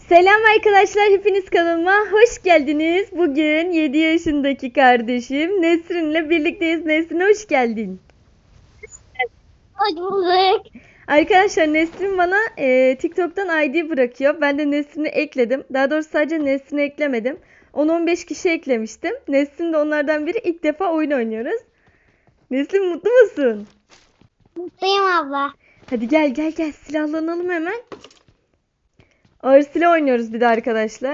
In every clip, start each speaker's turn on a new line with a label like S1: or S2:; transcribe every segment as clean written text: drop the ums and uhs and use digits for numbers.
S1: Selam arkadaşlar, hepiniz kanalıma hoş geldiniz. Bugün 7 yaşındaki kardeşim Nesrin'le birlikteyiz. Nesrin hoş geldin.
S2: Hoş bulduk.
S1: Arkadaşlar Nesrin bana TikTok'tan ID bırakıyor. Ben de Nesrin'i ekledim. Daha doğrusu sadece Nesrin'i eklemedim. 10-15 kişi eklemiştim. Nesrin de onlardan biri. İlk defa oyun oynuyoruz. Nesrin mutlu musun?
S2: Mutluyum abla.
S1: Hadi gel silahlanalım hemen. Ağır silah oynuyoruz bir de arkadaşlar.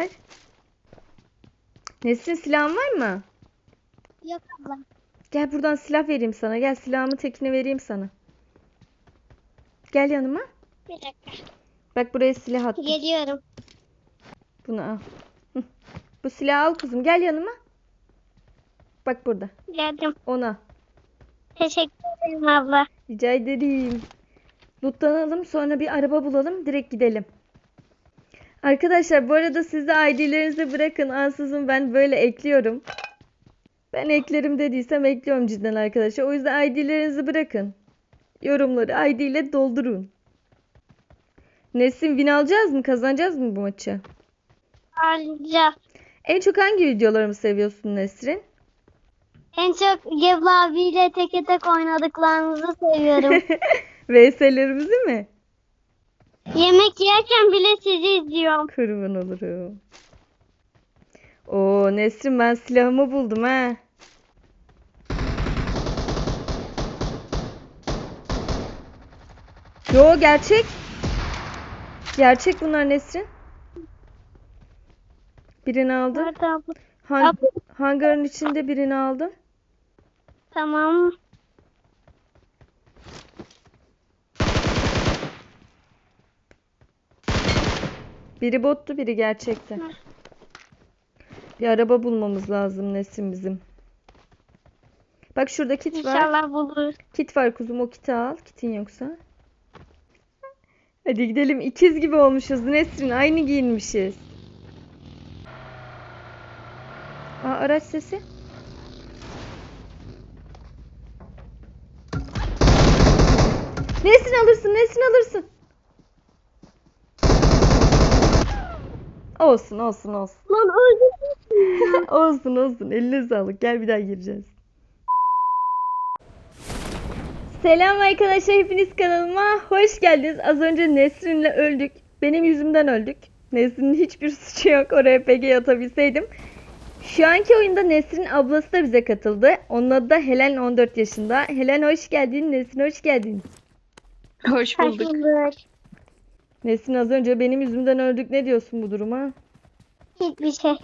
S1: Nesrin silahın var mı?
S2: Yok abla.
S1: Gel buradan silah vereyim sana. Gel silahımı tekini vereyim sana. Gel yanıma.
S2: Bir dakika.
S1: Bak buraya silah attım.
S2: Geliyorum.
S1: Bunu al. Hı. Bu silahı al kızım. Gel yanıma. Bak burada.
S2: Geldim.
S1: Ona.
S2: Teşekkür ederim abla.
S1: Rica ederim. Lootlanalım. Sonra bir araba bulalım. Direkt gidelim. Arkadaşlar bu arada siz de ID'lerinizi bırakın. Ansızın ben böyle ekliyorum. Ben eklerim dediysem ekliyorum cidden arkadaşlar. O yüzden ID'lerinizi bırakın. Yorumları ID ile doldurun. Nesin win alacağız mı? Kazanacağız mı bu maçı?
S2: Ayrıca
S1: En çok hangi videolarımı seviyorsun Nesrin?
S2: en çok Gebze abiyle teke tek oynadıklarınızı seviyorum.
S1: VS'lerimizi mi?
S2: Yemek yerken bile sizi izliyorum.
S1: Kurban olurum. Oo Nesrin ben silahımı buldum ha. Yo gerçek. Gerçek bunlar Nesrin. Birini aldım.
S2: Nerede abla?
S1: Han hangarın içinde birini aldım.
S2: Tamam.
S1: Biri bottu, biri gerçekti. Bir araba bulmamız lazım Nesrin bizim. Bak şurada kit var.
S2: İnşallah buluruz.
S1: Kit var kuzum, o kiti al. Kitin yoksa. Hadi gidelim. İkiz gibi olmuşuz Nesrin. Aynı giyinmişiz. Aa, araç sesi. Nesrin alırsın, Nesrin alırsın. Olsun.
S2: Lan öldüm.
S1: olsun. Eline sağlık. Gel bir daha gireceğiz. Selam arkadaşlar. Hepiniz kanalıma hoş geldiniz. Az önce Nesrin'le öldük. Benim yüzümden öldük. Nesrin'in hiçbir suçu yok. Oraya PG atabilseydim. Şu anki oyunda Nesrin ablası da bize katıldı. Onun adı da Helen, 14 yaşında. Helen hoş geldin. Nesrin hoş geldin.
S3: Hoş
S2: Hoş
S3: bulduk.
S2: bulduk.
S1: Nesrin az önce benim yüzümden öldük. Ne diyorsun bu duruma?
S2: Hiçbir şey.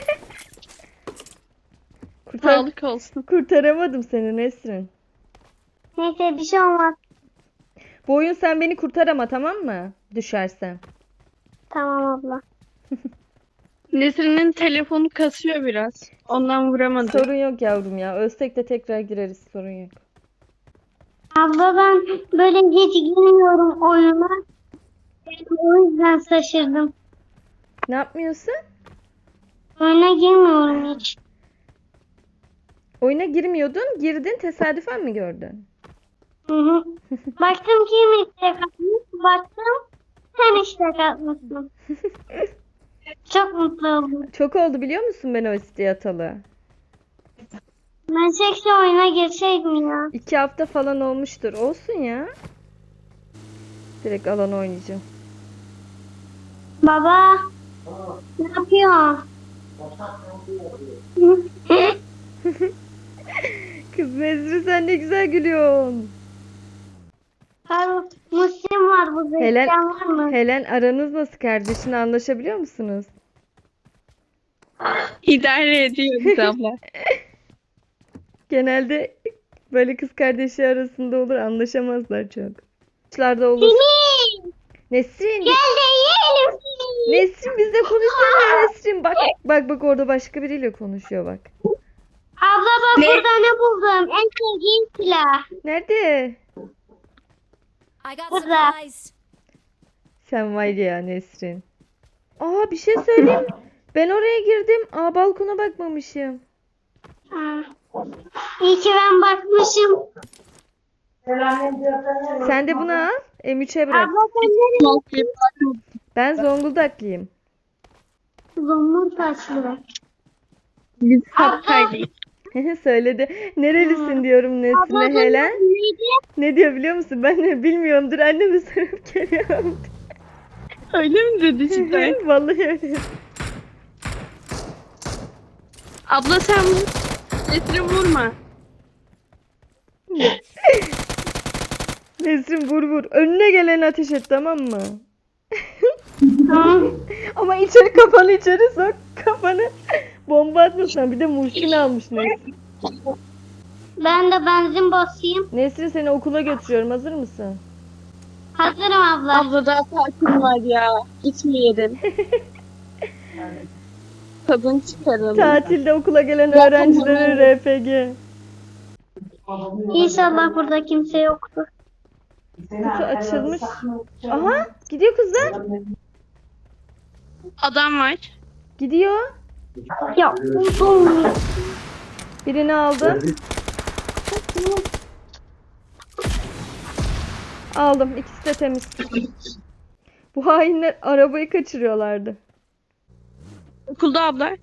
S3: Sağlık olsun.
S1: Kurtaramadım seni Nesrin.
S2: Neyse bir şey olmaz.
S1: Bu oyun sen beni kurtarama, tamam mı? Düşersem.
S2: Tamam abla.
S3: Nesrin'in telefonu kasıyor biraz. Ondan vuramadı.
S1: Sorun yok yavrum ya. Ölsek de tekrar gireriz. Sorun yok.
S2: Abla ben böyle hiç girmiyorum oyuna. O yüzden şaşırdım.
S1: Ne yapmıyorsun?
S2: Oyuna girmiyorum hiç.
S1: Oyuna girmiyordun. Girdin. Tesadüfen mi gördün?
S2: Hı hı. Baktım kim istek atmış. Baktım sen istek atmışsın. Çok mutlu oldum.
S1: Çok oldu biliyor musun ben o isteği atalı?
S2: Ben seksi oyuna girseydim ya.
S1: 2 hafta falan olmuştur. Olsun ya. Direkt alan oynayacağım.
S2: Baba. Ne yapıyor?
S1: Kız Nezri sen ne güzel gülüyorsun.
S2: Abi, Müslim var burada.
S1: Helen,
S2: İsteyen var mı?
S1: Helen aranız nasıl, kardeşinle anlaşabiliyor musunuz?
S3: İdare ediyoruz abla.
S1: Genelde böyle kız kardeşi arasında olur, anlaşamazlar çok. Kuşlarda olur.
S2: Seni.
S1: Nesrin,
S2: Gel de yiyelim seni.
S1: Nesrin bizle konuşsana Nesrin. Bak orada başka biriyle konuşuyor bak.
S2: Abla bak
S3: Ne?
S2: burada ne buldum? En sevdiğim silah.
S1: Nerede?
S4: I got
S2: Burada.
S4: supplies.
S1: Sen var ya Nesrin. Aa bir şey söyleyeyim mi? Ben oraya girdim. Aa balkona bakmamışım.
S2: Ha. İyi ki ben bakmışım.
S1: Sen de bunu al. M3'e bırak.
S2: Abla sen nereye?
S1: Ben Zonguldaklıyım.
S2: Zongun taşlı.
S3: Biz Hakkari'yiz.
S1: Söyledi. Nerelisin diyorum Nesrin'e
S2: Abla
S1: Helen.
S2: neydi?
S1: Ne diyor biliyor musun? Ben de bilmiyorumdur. Anneme sorup geliyorum.
S3: Öyle mi dedi cidden?
S1: Vallahi öyle.
S3: Abla sen Nesrin vurma.
S1: Nesrin vur vur. Önüne geleni ateş et, tamam mı?
S2: Tamam.
S1: Ama içeri, kafanı içeri sok. Kafanı bomba atmışlar. Bir de Muhsin almış Nesrin.
S2: Ben de benzin basayım.
S1: Nesrin, seni okula götürüyorum. Hazır mısın?
S2: Hazırım abla.
S3: Abla daha tatil var ya. Gitmeyelim. Tadını çıkaralım.
S1: Tatilde okula gelen öğrencilere RPG.
S2: İnşallah burada kimse yoktur.
S1: Kutu açılmış. Aha, gidiyor kızlar.
S3: Adam var.
S1: Gidiyor.
S2: Ya uzun.
S1: Birini aldım. Aldım. İkisi de temiz. Bu hainler arabayı kaçırıyorlardı.
S3: Okulda abla.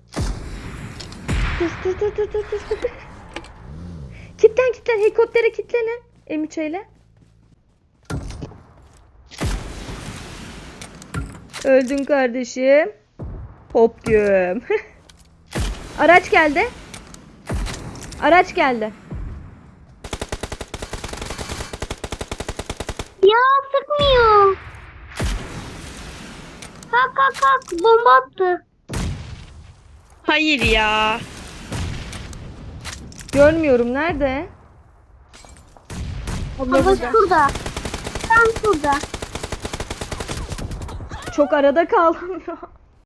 S1: Dur. Kitlen. Helikoptere kitlenin. M3 ile. Öldün kardeşim. Hop diyorum. Araç geldi.
S2: Ya sıkmıyor. Kalk. Bomba attı.
S3: Hayır ya.
S1: Görmüyorum. Nerede?
S3: Abla
S2: Abla
S3: burada.
S2: şurada. Tam şurada.
S1: Çok arada kaldım ya.